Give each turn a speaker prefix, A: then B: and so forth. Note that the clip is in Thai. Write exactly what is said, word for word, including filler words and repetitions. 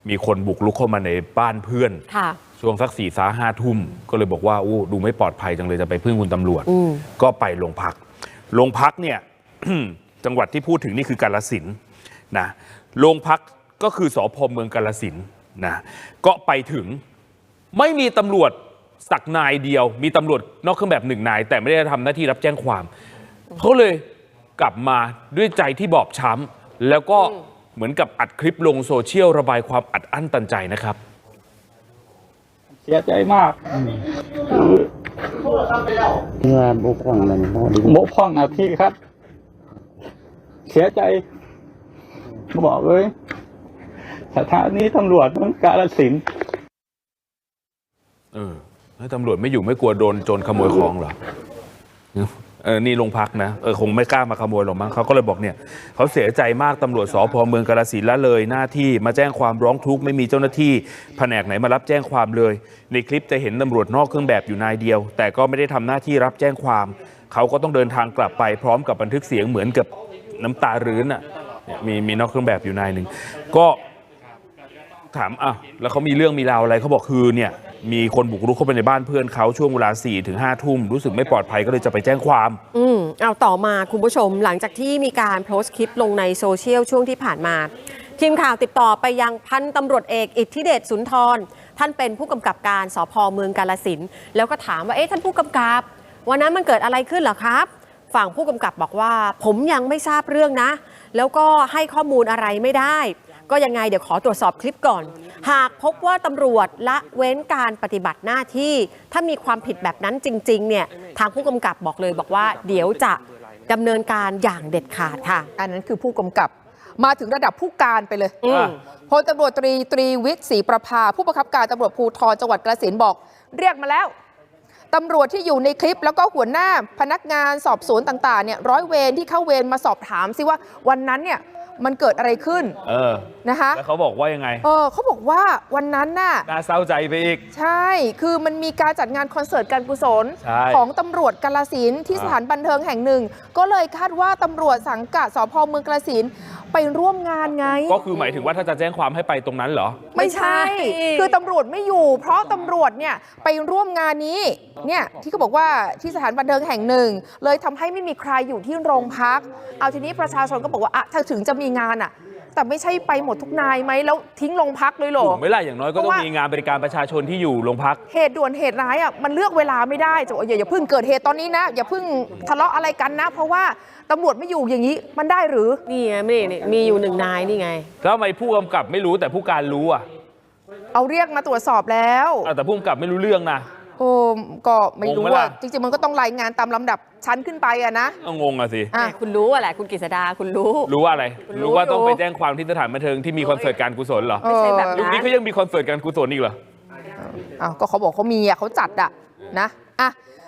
A: มีคนบุกรุกเข้ามาในบ้านเพื่อนช่วงสักสี่สาห้าทุ่มก็เลยบอกว่าอู้ดูไม่ปลอดภัยจังเลยจะไปพึ่งคุณตำรวจก็ไปโรงพักโรงพักเนี่ย จังหวัดที่พูดถึงนี่คือกาฬสินธุ์นะโรงพักก็คือสภ.เมืองกาฬสินธุ์นะก็ไปถึงไม่มีตำรวจสักนายเดียวมีตำรวจนอกเครื่องแบบหนึ่งนายแต่ไม่ได้ทำหน้าที่รับแจ้งความเขาเลยกลับมาด้วยใจที่บอบช้ำแล้วก็เหมือนกับอัดคลิปลงโซเชียลระบายความอัดอั้นตันใจนะครับ
B: เสียใจมาก
C: เมื่อบกพร่องอะไร
B: บกพร่องอ่ะพี่ครับเสียใจบอกเลยสถานีตำรวจต้องกาฬสินธุ์
A: เออแล้วตำรวจไม่อยู่ไม่กลัวโดนโจรขโมยของเหรอเออนี่โรงพักนะเออคงไม่กล้ามาขโมยหรอกมั้งเขาก็เลยบอกเนี่ยเขาเสียใจมากตำรวจสภ.เมืองกาฬสินธุ์ละเลยหน้าที่มาแจ้งความร้องทุกข์ไม่มีเจ้าหน้าที่แผนกไหนมารับแจ้งความเลยในคลิปจะเห็นตำรวจนอกเครื่องแบบอยู่นายเดียวแต่ก็ไม่ได้ทำหน้าที่รับแจ้งความเขาก็ต้องเดินทางกลับไปพร้อมกับบันทึกเสียงเหมือนกับน้ำตารื้นอ่ะมีมีนอกเครื่องแบบอยู่นายหนึ่งก็ถามอ่ะแล้วเขามีเรื่องมีราวอะไรเขาบอกคือเนี่ยมีคนบุกรุกเข้าไปในบ้านเพื่อนเขาช่วงเวลาสี่ถึงห้าทุ่มรู้สึกไม่ปลอดภัยก็เลยจะไปแจ้งความ
D: อืมเอาต่อมาคุณผู้ชมหลังจากที่มีการโพสต์คลิปลงในโซเชียลช่วงที่ผ่านมาทีมข่าวติดต่อไปยังพันตำรวจเอกอิทธิเดชสุนทรท่านเป็นผู้กำกับการสภ.เมืองกาฬสินธุ์แล้วก็ถามว่าเอ๊ะท่านผู้กำกับวันนั้นมันเกิดอะไรขึ้นเหรอครับฝั่งผู้กำกับบอกว่าผมยังไม่ทราบเรื่องนะแล้วก็ให้ข้อมูลอะไรไม่ได้ก็ยังไงเดี๋ยวขอตรวจสอบคลิปก่อนหากพบว่าตำรวจละเว้นการปฏิบัติหน้าที่ถ้ามีความผิดแบบนั้นจริงๆเนี่ยทางผู้กำกับบอกเลยบอกว่าเดี๋ยวจะดำเนินการอย่างเด็ดขาดค่ะ
E: อันนั้นคือผู้กำกับมาถึงระดับผู้การไปเลยพลตำรวจตรีตรีวิทย์ศรีประภาผู้บังคับการตำรวจภูธรจังหวัดกาฬสินธุ์บอกเรียกมาแล้วตำรวจที่อยู่ในคลิปแล้วก็หัวหน้าพนักงานสอบสวนต่างๆเนี่ยร้อยเวรที่เข้าเวรมาสอบถามซิว่าวันนั้นเนี่ยมันเกิดอะไรขึ้น
A: เออ
E: นะคะ
A: แล้วเขาบอกว่ายังไง
E: เออเขาบอกว่าวันนั้นน่ะ
A: น่าเศร้าใจไปอีก
E: ใช่คือมันมีการจัดงานคอนเสิร์ตการกุศลของตำรวจกาฬสินธุ์ที่สถานบันเทิงแห่งหนึ่งก็เลยคาดว่าตำรวจสังกัดสภ.เมืองกาฬสินธุ์ไปร่วมงานไง
A: ก็คือหมายถึงว่าถ้าจะแจ้งความให้ไปตรงนั้นเหรอ
E: ไม่ใช่คือตำรวจไม่อยู่เพราะตำรวจเนี่ยไปร่วมงานนี้เนี่ยที่เขาบอกว่าที่สถานบันเทิงแห่งหนึ่งเลยทำให้ไม่มีใครอยู่ที่โรงพักเอาทีนี้ประชาชนก็บอกว่าอะถ้าถึงจะมีงานอะแต่ไม่ใช่ไปหมดทุกนายไหมแล้วทิ้งโรงพักเลยหรอ
A: ไม่ล่ะอย่างน้อยก็ต้องมีงานบริการประชาชนที่อยู่โรงพัก
E: เหตุด่วนเหตุร้ายอ่ะมันเลือกเวลาไม่ได้จะอย่าอย่าเพิ่งเกิดเหตุตอนนี้นะอย่าเพิ่งทะเลาะอะไรกันนะเพราะว่าตำรวจไม่อยู่อย่างนี้มันได้หรือ
D: นี่ไงนี่มีอยู่หนึ่งนายนี่ไง
A: แล้วทำไมผู้กำกับไม่รู้แต่ผู้การรู้อ่ะ
E: เอาเรียกมาตรวจสอบแล้ว
A: แต่ผู้กำกับไม่รู้เรื่องนะ
E: โอ้ก็ไม่รู้ว่าจริงๆมันก็ต้องรายงานตามลำดับชั้นขึ้นไปอะนะ
A: งงอะสิ
D: คุณรู้อะไรคุณกฤษดาคุณรู้
A: รู้ว่าอะไรรู้ว่าต้องไปแจ้งความที่สถานบันเทิงที่มีคอนเสิร์ตการกุศลเหรอ
D: ไม่ใช่แบบ
A: ยุคนี้เขายังมีคอนเสิร์ตการกุศลอีกเหรอ
E: อ้าวก็เขาบอกเขามีอะเขาจัดอะนะอ่ะ